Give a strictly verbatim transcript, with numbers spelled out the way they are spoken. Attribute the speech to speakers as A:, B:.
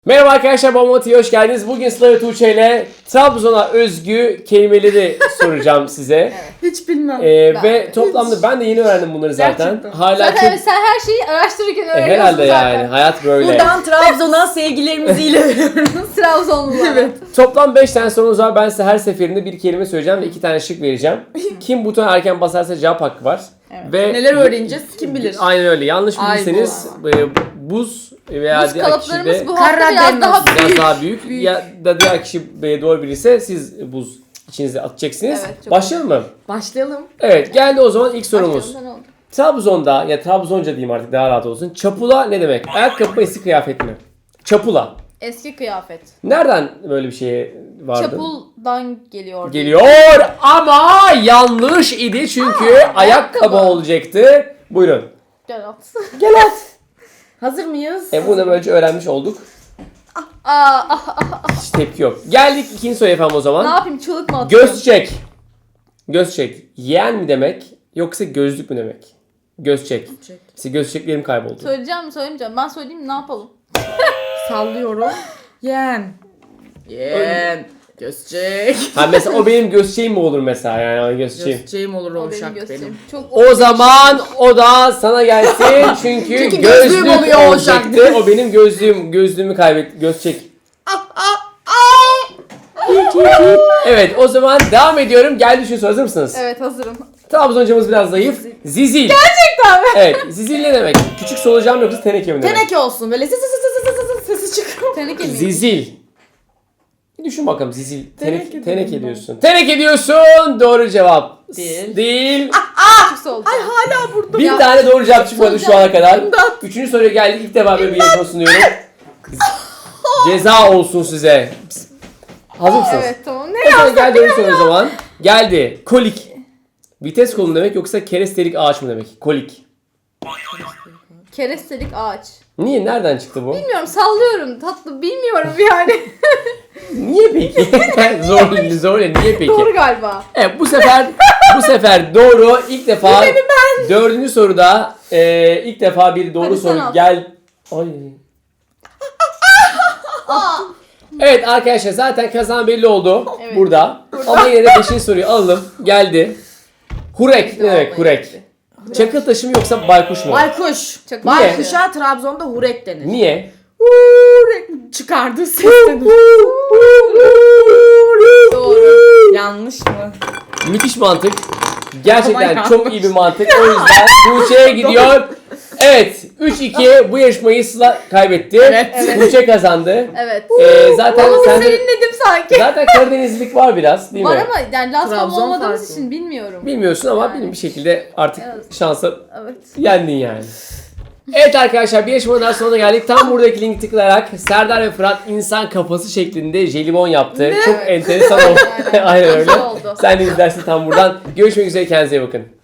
A: Merhaba arkadaşlar, Bombati'ye hoş geldiniz. Bugün Sıla ve Tuğçe ile Trabzon'a özgü kelimeleri soracağım size.
B: Evet.
C: Hiç bilmem.
A: Ee,
B: Ben
A: ve
B: de.
A: toplamda ben de yeni öğrendim bunları zaten.
C: Gerçekten.
A: Hala
B: Zaten
A: çok...
B: evet, sen her şeyi araştırırken
A: E,
B: öğreniyorsun
A: herhalde
B: zaten.
A: yani, hayat böyle.
C: Buradan Trabzon'a sevgilerimizi iletiyoruz.
B: Trabzonlular.
C: Evet.
A: Toplam beş tane sorunuz var. Ben size her seferinde bir kelime söyleyeceğim ve iki tane şık vereceğim. Kim butona erken basarsa cevap hakkı var.
B: Evet.
A: Ve
C: Neler öğreneceğiz kim bilir.
A: Aynen öyle. Yanlış
C: Ay,
A: bilirseniz e, buz veya
B: Buz
A: diğer kişi
B: kalıplarımız
A: de
B: bu hafta biraz
C: Karadeniz.
B: daha
A: biraz
B: büyük.
A: daha büyük,
C: Büyük.
A: ya da diğer kişi e, doğru bilirse siz buz içinize atacaksınız.
B: Evet, çok
A: Başlayalım mı?
C: Başlayalım.
A: Evet, geldi o zaman ilk sorumuz.
B: Başlayalım, ne oldu?
A: Trabzon'da, ya Trabzonca diyeyim artık daha rahat olsun. Çapula ne demek? Ayakkabı mı, eski kıyafet mi? Çapula.
B: Eski kıyafet.
A: Nereden böyle bir şeye vardın?
B: Çapuldan geliyor.
A: Geliyor ama yanlış idi çünkü
B: Aa,
A: ayakkabı
B: ayakkabı.
A: olacaktı. Buyurun.
B: Gel at.
A: Gel at.
C: Hazır mıyız?
A: E bunu da böylece öğrenmiş olduk.
B: Aa, ah, ah,
A: Hiç tepki yok. Geldik ikinci soruya efendim o
B: ne
A: zaman.
B: yapayım, çığlık mı atayım?
A: Göz çek. Göz çek. Yeğen mi demek yoksa gözlük mü demek? Göz çek.
C: Çek.
A: İşte göz çeklerim kayboldu.
B: Söyleyeceğim mi söylemeyeceğim? Ben söyleyeyim mi, ne yapalım?
C: Sallıyorum. Yen. Yen. Gözcek.
A: Ha mesela o benim göz mi olur mesela, yani göz çeğim.
C: Gözceğim olur
B: O
C: o
B: benim
C: uşak
B: göstereyim.
C: benim.
B: Çok
A: O zaman o da sana gelsin çünkü,
C: Çünkü
A: gözlük
C: gözlüğüm oluyor o
A: olacaktı. O benim gözlüğüm, gözlüğümü kaybet, göz çek. Evet, o zaman devam ediyorum. Geldi şu soru, hazır mısınız?
B: Evet, hazırım.
A: Trabzoncamız biraz zayıf. Zizil.
B: Gerçekten mi?
A: Evet, zizil ne demek? Küçük solucan yoksa teneke mi demek?
C: Teneke olsun böyle ses ses ses ses ses sesi çıkıyor.
B: Teneke mi?
A: Zizil. Bir düşün bakalım, zizil. Teneke,
C: Teneke
A: teneke
C: dedim ben.
A: diyorsun. Teneke diyorsun. Doğru cevap.
C: Değil.
A: Değil.
B: Küçük oldu.
C: Ay hala burada.
A: Bir
B: Ya-
A: tane doğru cevap çıkmadı şu ana kadar.
C: İmdat.
A: Üçüncü soruya geldik. İlk defa böyle bir yarışma sunuyorum. Ceza olsun size. Hazır mısınız?
B: Evet, tamam. Ne
A: O zaman
B: yazsak
A: geldi öyle soru o zaman. Geldi. Kolik. Vites kolu mu demek yoksa kerestelik ağaç mı demek? Kolik.
B: Kerestelik ağaç.
A: Niye? Nereden çıktı bu?
B: Bilmiyorum, sallıyorum tatlı, bilmiyorum yani.
A: Niye peki? zor, zor. Niye peki?
B: Doğru galiba.
A: Evet, bu sefer bu sefer doğru. İlk defa dördüncü soruda e, ilk defa bir doğru
B: Hadi sen
A: soru
B: al.
A: gel. Ay. Evet arkadaşlar, zaten kazanan belli oldu
B: Evet.
A: burada. Ama yine de beşinci soruyu alalım. Geldi. Hurek ne demek hurek? Çakıl taşı mı yoksa baykuş mu?
C: Baykuş.
B: Çok
C: Baykuşa Trabzon'da hurek denir.
A: Niye?
C: Hurek çıkardı ses denir.
B: Doğru.
C: Yanlış mı?
A: Müthiş mantık. Gerçekten
C: Aman
A: çok iyi bir mantık. O yüzden Tuğçe'ye gidiyor. Evet, üç iki bu yarışmayı Sıla kaybetti.
C: Evet.
A: Tuğçe kazandı.
B: Evet.
A: Ee, zaten
B: Onu
A: sen
B: serinledim sanki.
A: zaten Karadenizlilik var biraz, değil
B: Var
A: mi?
B: ama yani Lazcam
C: Trabzon
B: olmadığımız
C: farklı.
B: için bilmiyorum.
A: Bilmiyorsun ama
B: Yani.
A: benim bir şekilde artık
B: Evet.
A: şansa
B: Evet.
A: yendin yani. Evet arkadaşlar, bir yarışmanın daha sonuna geldik. Tam buradaki linki tıklayarak Serdar ve Fırat insan kafası şeklinde jelibon yaptı. Çok enteresan oldu.
B: Aynen.
A: Aynen öyle.
B: Güzel oldu.
A: Sen de izlersin tam buradan. Görüşmek üzere, kendinize iyi bakın.